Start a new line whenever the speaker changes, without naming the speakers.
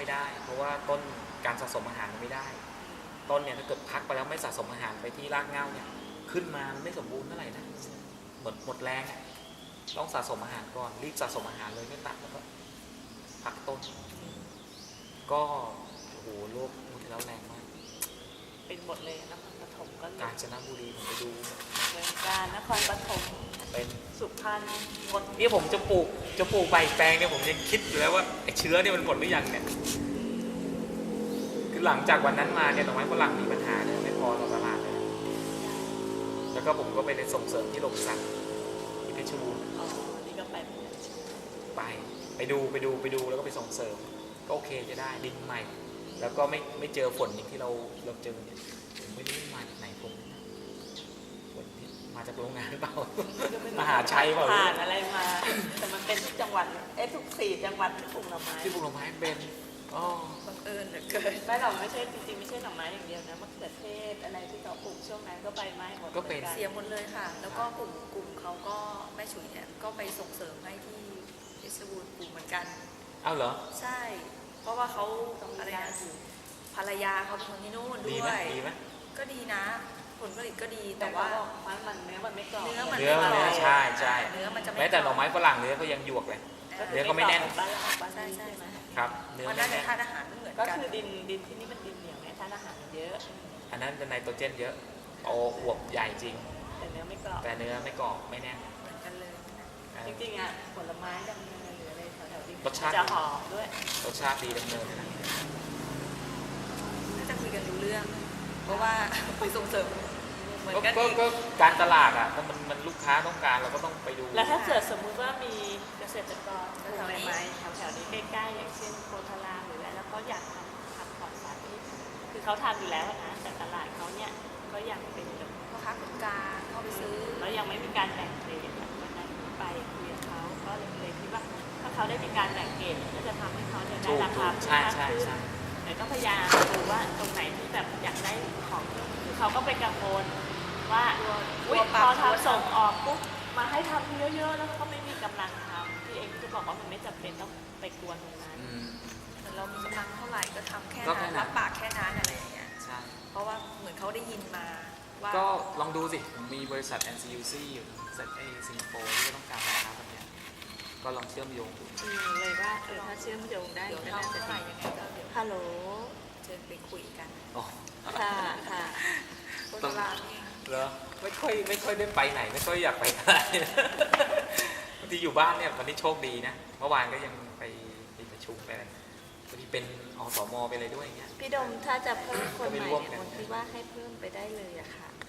ไม่ได้เพราะว่าต้นการสะสมอาหารไม่ได้ต้นเนี่ยถ้าเกิดพักไปแล้วไม่สะสมอาหารไปที่รากเหง้าเนี่ยขึ้นมาไม่สมบูรณ์เท่าไหร่นะหมดแรงต้องสะสมอาหารก่อนรีบสะสมอาหารเลยไม่ตัดแล้วก็พักต้นก็โอ้โหโรคมุทีแล้วแรงมาก
เป็นหมดเลยนครปฐมก็
กาญจนบุรีผมไปดู
เมืองการนครปฐม
เป็น
สุพรรณหมด
นี่ผมจะปลูกใบแปลงเนี่ยผมยังคิดอยู่แล้วว่าไอ้เชื้อเนี่ยมันหมดหรือยังเนี่ยคือหลังจากวันนั้นมาเนี่ยดอกไม้ฝรั่งมีปัญหาเนี่ยไม่พอต่อตลาดเลยแล้วก็ผมก็ไปส่งเสริมที่โรงสัตว์ที่เพชรบูรณ์
นี่ก็
ไปดูแล้วก็ไปส่งเสริมก็โอเคจะได้ดินใหม่แล้วก็ไม่เจอฝนอย่างที่เราเจอเนี่ยผมไม่รู้มาจากไหนผมฝนมาจากโรงงานหรือเปล่ามหาชัยเปล่า
ผ่านอะไรมาแต่มันเป็นทุกจังหวัดทุก4 จังหวัดที่ปลูกหน่อไม้
ที่ปลูกหน่อไม้เป็น
บังเอิญเหลือเกินไม่หรอกไม่ใช่จริงๆไม่ใช่หน่อไม้อย่างเดียวนะมะเขือเทศอะไรที่เขาปลูกช่วงนั้นก็ใบไม้หมด
ก็เป็น
เสียหมดเลยค่ะแล้วก็กลุ่มเขาก็แม่ฉุยเนี่ยก็ไปส่งเสริมให้ที่เพชรบูรณ์ปลูกเหมือนกัน
อ้าวเหรอ
ใช่เพราะว่าเขาอะไรนะภรรยาเขาเป็นคนที่นู่นด้วย
ดีไหม
ก็ดีนะผลผลิตก็ดีแต่ว่า
มันเนื้อมันไม่กรอบ
เนื้อใช่
เนื้อมันจะไม่
แม้แต่หน่อไม้ฝรั่งเนื้อก็ยังหยวกเลยเนื้อก็ไม่แน่น
ใช่ไหม
ครับเนื้อ
มันน่าจะธาตุอาหารไม่เหมือนกัน
ก็คือดินที่นี่มันดินเหนียวไงธาตุอาหารเยอะ
อันนั้นเป็นไนโตรเจนเยอะโอ้อวบใหญ่จริง
แต่เนื้อไม่กรอบ
ไม่แน่น
เหมือนกันเลย
จริงๆผลไม้ดำเนินหรืออะไรแถวๆนี้
รสชาติ
จะหอมด้วย
รสชาติดีดำเนินนะ
น่าจะคุยกันรู้เรื่องเพราะว่าคุยส่งเสริมเหมือนกัน
ก็การตลาดมันลูกค้าต้องการเราก็ต้องไปดู
แล้วถ้าเกิดสมมุติว่ามีเกษตรกรปลูกไม้แถวๆนี้ใกล้ๆอย่างเช่นโพธารามหรืออะไรแล้วก็อยากทำปลอดสารพิษคือเขาทำอยู่แล้วนะแต่ตลาดเขาเนี่ยก็ยังเป็นแบบ
พ่อค้าคนกลางเข้าไปซื้อ
แล้วยังไม่มีการแบ่งเกรดวันนั้นไปคุยกับเขาก็เลยคิดว่าถ้าเขาได้มีการแบ่งเกรดก็จะทำให้เขาได้ราคา
ใช่
แต่ก็พยายามดูว่าตรงไหนที่แบบอยากได้ของคือเขาก็ไปกังวลว่าพอทำส่งออกปุ๊บมาให้ทำเยอะๆแล้วก็ไม่มีกำลังทำที่เองจะบอกว่ามันไม่จำเป็นต้องไปกวนตรงนั้น
แต่เรามีกำลังเท่าไหร่ก็ทำแค่นั้นรับปากแค่นั้นอะไรอย่างเงี้ย
ใช่
เพราะว่าเหมือนเขาได้ยินมาว่า
ก็ลองดูสิผมมีบริษัท NCUC อยู่บริษัทสิงคโปร์ที่ต้องการลูกค้าแบบนี้ก็ลองเชื่อมโยงดู
เลยว่าถ้าเชื่อมโยงได้
เดี๋ยวเราจะไปยังไงก็เดี๋ยว
ฮัลโหล
เชิญไปคุยกัน
ค่ะ
คนลาวนี่
เหรอไม่ค่อยได้ไปไหนไม่ค่อยอยากไปไหนบางทีอยู่บ้านเนี่ยวันนี้โชคดีนะเมื่อวานก็ยังไปประชุมไปอะไรบางทีเป็นอสมไปเลยด้วยเงี้ย
พี่ดมถ้าจะเพิ่มคนใหม่เนี่ยคนที่ว่าให้เพิ่มไปได้เลยอะค่ะ